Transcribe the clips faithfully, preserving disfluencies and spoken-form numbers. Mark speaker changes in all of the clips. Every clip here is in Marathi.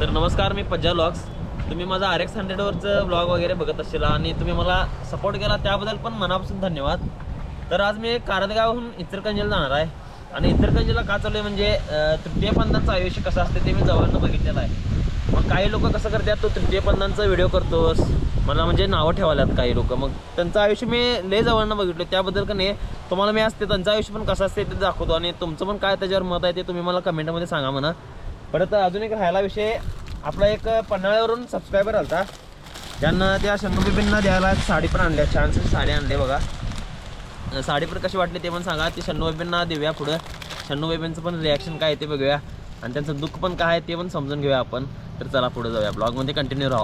Speaker 1: तर नमस्कार, मी पज्जा व्लॉग्स. तुम्ही माझा आर एक्स हंड्रेडवरचं व्लॉग वगैरे बघत असेल आणि तुम्ही मला सपोर्ट केला त्याबद्दल पण मनापासून धन्यवाद. तर आज मी कारंजगावहून इचलकरंजीला जाणार आहे आणि इचलकरंजीला का चालू आहे म्हणजे तृतीयपंथांचं आयुष्य कसं असते ते मी जवळनं बघितलेलं आहे. मग काही लोक कसं करतात, तो तृतीयपंथांचा व्हिडिओ करतोस मला म्हणजे नावं ठेवाल्यात काही लोक. मग त्यांचं आयुष्य मी लय जवळनं बघितलं, त्याबद्दल का नाही तुम्हाला मी असते त्यांचं आयुष्य पण कसं असते ते दाखवतो आणि तुमचं पण काय त्याच्यावर मत आहे ते तुम्ही मला कमेंटमध्ये सांगा म्हणा. परत अजून एक राहायला विषय, आपला एक पन्हाळ्यावरून सबस्क्रायबर आलता, त्यांना त्या शंभूबीबींना द्यायला साडी पण आणल्या, छानशी साडी आणली बघा. साडी पण कशी वाटली ते पण सांगा. ती शंभूबीबींना देऊया पुढं, शंभूबीबींचं पण रिॲक्शन काय ते बघूया आणि त्यांचं दुःख पण काय आहे ते पण समजून घेऊया आपण. तर चला पुढे जाऊया, ब्लॉगमध्ये कंटिन्यू राहा.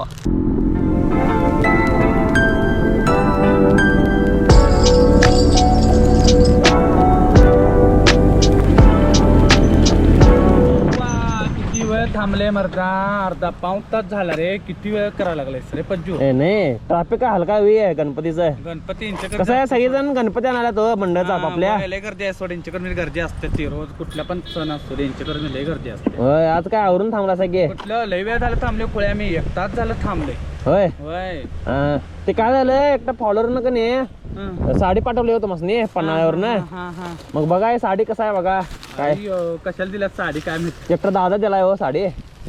Speaker 2: थांबले मर्दा, अर्धा पाऊण तास झाला रे. किती वेळ करायला लागलाय रे पज्जू?
Speaker 1: नाही ट्रॅफिक हलका वे आहे गणपतीचं.
Speaker 2: गणपती
Speaker 1: कसं आहे, सगळेजण गणपती आणायला तो मंडळाचा आपापल्या
Speaker 2: लय गर्दी आहे. सोड यांच्याकडे गर्दी असते, ती रोज कुठला पण सण असतो यांच्याकडे लय गर्दी असते.
Speaker 1: होय, आज काय आवरून थांबला सगळे?
Speaker 2: कुठलं लय वेळ झालं थांबले खुळ्या, मी एक तास झालं थांबले.
Speaker 1: होय
Speaker 2: होय,
Speaker 1: ते काय झालं, एकटा फॉलोअर का नाही साडी पाठवली होतं मसनी पन्हाळ्यावरनं. मग बघा हे साडी कसं आहे बघा. काय
Speaker 2: कशाला दिला साडी काय माहिती,
Speaker 1: एकटा दादा दिलाय हो साडी.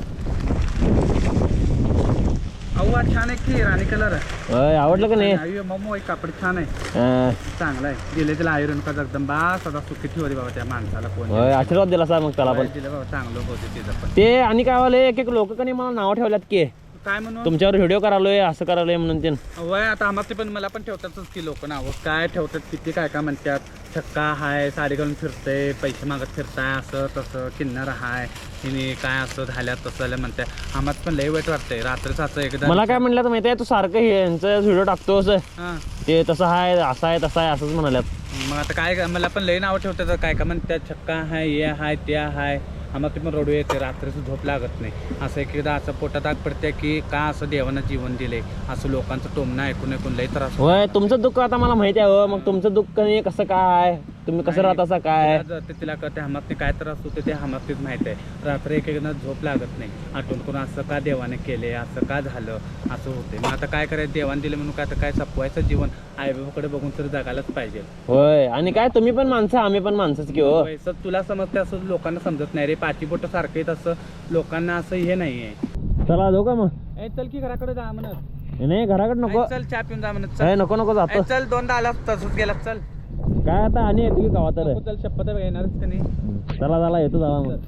Speaker 2: अव्वा छान आहे की राणी कलर.
Speaker 1: होय, आवडलं का नाही?
Speaker 2: मम्मो कापड छान आहे, चांगला आहे. दिले तिला आयरन का जगदंबा सदा सुखी ठेवली बाबा त्या माणसाला. कोण
Speaker 1: होय, आशीर्वाद दिला सर मग त्याला पण.
Speaker 2: दिलं बाबा, चांगलं होते तिचं पण.
Speaker 1: ते आणि काय वाले एक एक लोक कधी मला नाव ठेवल्यात की
Speaker 2: काय म्हणून
Speaker 1: तुमच्यावर व्हिडिओ करालोय असं करालोय म्हणून. ते
Speaker 2: वय आता आम्हाला पण मला पण ठेवतातच की लोक नाव, काय ठेवतात किती काय काय म्हणतात. छक्का हाय, साडी घालून फिरतंय, पैसे मागत फिरताय, असं तसं किन्नर हाय, हिने काय असं झाल्या तसं म्हणताय. आम्हाला पण लय वाईट वाटतंय. रात्रीच असं एकदा मला
Speaker 1: काय म्हणलं तर माहिती आहे, तू सारखं हे यांचं व्हिडिओ टाकतोस ते तसं आहे असं आहे तसं आहे असंच म्हणाल्यात.
Speaker 2: मग आता काय, मला पण लय नाव ठेवतात काय काय म्हणतात. छक्का हाय, हे हाय, ते हाय. आम्हाला ते पण रडू येते, रात्रीचं झोप लागत नाही. असं एक एकदा असं पोटात आग पडते की का असं देवानं जीवन दिले, असं लोकांचं टोमणं ऐकून ऐकून लय त्रास.
Speaker 1: होय, तुमचं दुःख आता मला माहिती आहे. हो, मग तुमचं दुःख नाही कसं काय, तुम्ही कसं राहत असं काय
Speaker 2: तिला कळते. आम्हाला काय त्रास होते ते आम्हाला माहिती आहे. रात्री एक एकदा झोप लागत नाही, आठवण करून असं का देवाने केले, असं का झालं, असं होते. मग आता काय करायचं, देवाने दिले म्हणून काय आता काय सपवायचं जीवन आईबाबाकडे बघून तर जगायलाच पाहिजे.
Speaker 1: होय, आणि काय तुम्ही पण माणसं आम्ही पण माणसंच की. हो,
Speaker 2: तुला समजते असं लोकांना समजत नाही रे. पाची बोट सारखे असं लोकांना असं हे नाहीये.
Speaker 1: चला जाऊ का मग?
Speaker 2: ए चल की घराकडे जा म्हणत.
Speaker 1: नाही घराकडे नको,
Speaker 2: चल चहा पिऊन जा म्हणत.
Speaker 1: नको नको जातो.
Speaker 2: चल दोनदा आला तसंच गेला. चल
Speaker 1: काय आता आणि येतो की गावात तर.
Speaker 2: चल शपथ येणारच का नाही.
Speaker 1: चला चला येतो जावा मग.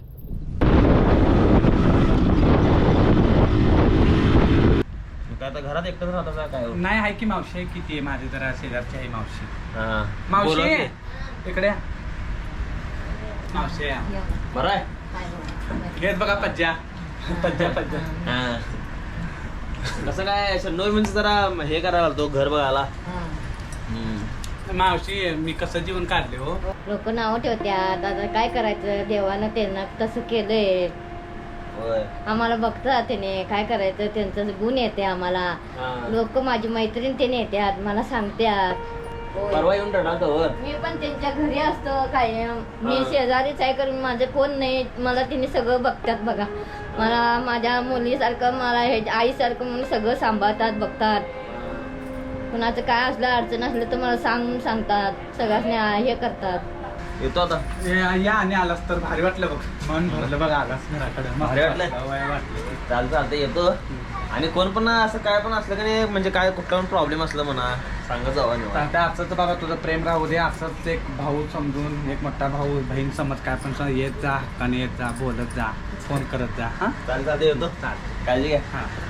Speaker 1: काय आता घरात एकटंच राहता काय?
Speaker 2: नाही आहे की मावशी आहे किती आहे माझी जरा शेजारची आहे मावशी. मावशी इकडे मावशी
Speaker 1: बरं आहे.
Speaker 2: घेत बघा पज्जा पज्जा पज्जा.
Speaker 1: कसं काय शंभूबीबींचं जरा हे करायला आलतो घर बघायला.
Speaker 2: मावशी मी कसं जीवन काढले हो.
Speaker 3: लोक नाव ठेवत्यात, आता काय करायचं, देवानं त्यांना तसं केलंय. आम्हाला बघतात त्याने काय करायचं, त्यांचं गुण येते आम्हाला. लोक माझी मैत्रीण त्याने येतात, मला सांगतात. मी पण त्यांच्या घरी असतो काय, मी शेजारीच आहे कारण माझे फोन नाही, मला तिने सगळं बघतात बघा. मला माझ्या मुलीसारखं, मला हे आईसारखं म्हणून सगळं सांभाळतात, बघतात. कुणाचं काय असलं अडचण असलं तर मला सांगून सांगतात, सगळ्यांनी हे करतात.
Speaker 1: येतो आता
Speaker 2: या आणि आलास तर भारी वाटलं बघ, मन भरलं बघा. आलास घराकडे
Speaker 1: भारी वाटलं. चालतं चालतं येतो. आणि कोण पण असं काय पण असलं की नाही, म्हणजे काय कुठला पण प्रॉब्लेम असलं म्हणा सांगत जावा.
Speaker 2: असंच बाबा तुझं प्रेम राहू दे, असंच एक भाऊ समजून, एक मोठा भाऊ बहीण समज काय पण येत जा, हक्काने येत जा, बोलत जा, फोन करत जा. हा
Speaker 1: चालतं येतो.
Speaker 2: चाल
Speaker 1: काळजी घ्या.
Speaker 2: हा.